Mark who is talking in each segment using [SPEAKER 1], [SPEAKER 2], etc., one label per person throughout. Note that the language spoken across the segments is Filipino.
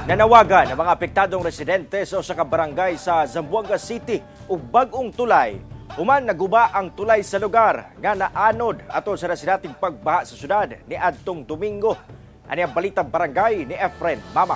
[SPEAKER 1] Nanawagan ang mga apektadong residente sa usa ka barangay sa Zamboanga City ug bag-ong tulay. Human naguba ang tulay sa lugar nga naanod ato sa nasinating pagbaha sa syudad ni adtong Domingo. Ani ang balitang barangay ni Efren Mama.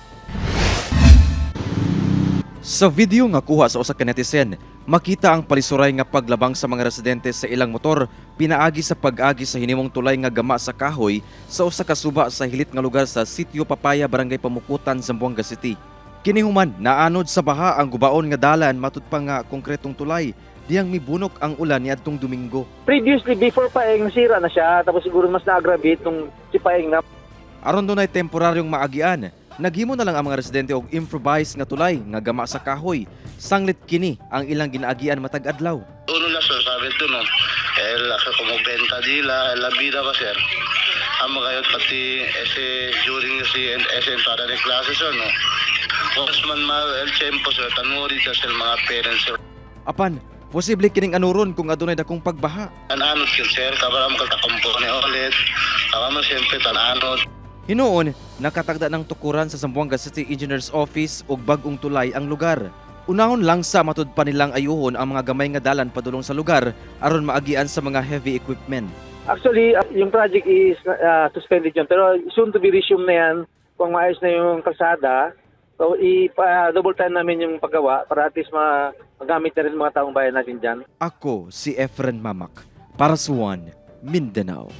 [SPEAKER 2] Sa video nga kuha sa usa ka netizen, makita ang palisuray nga paglabang sa mga residente sa ilang motor pinaagi sa pag-agi sa hinimong tulay nga gama sa kahoy sa usa ka suba sa hilit nga lugar sa Sitio Papaya, Barangay Pamukutan, Zamboanga City. Kini human naanod sa baha ang gubaon nga dalan matud pa nga konkretong tulay diyang mibunok ang ulan niadtong Domingo.
[SPEAKER 3] Previously, before Paeng, nasira na siya. Tapos siguro mas na-aggravate nung si Paeng na.
[SPEAKER 2] Aron dunay temporaryong maagian, naghimo na lang ang mga residente og improvise nga tulay nga gama sa kahoy. Sanglit kini ang ilang ginaagian matag adlaw.
[SPEAKER 4] Uno na sir, sabi ito no, kumubenta dila, la vida ba sir? Amo kayo pati during si entrada de classes no. Once man el tiempo sir, tanuri sa mga parents sir.
[SPEAKER 2] Apan, posible kining anuron kung adunay dakong pagbaha.
[SPEAKER 4] Tananod kin sir, kabara mo katakampo ni ulit. Kama siyempre tananod.
[SPEAKER 2] Hinuon, nakatagda ng tukuran sa Zamboanga City Engineers Office ug bag-ong tulay ang lugar. Unahon lang sa matud pa nilang ayuhon ang mga gamay nga dalan padulong sa lugar aron maagian sa mga heavy equipment.
[SPEAKER 3] Actually, yung project is suspended yun. Pero soon to be resumed na yan kung maayos na yung kalsada. So, double time namin yung paggawa para at least magamit na rin mga taong bayan natin dyan.
[SPEAKER 2] Ako si Efren Mamak para sa One Mindanao.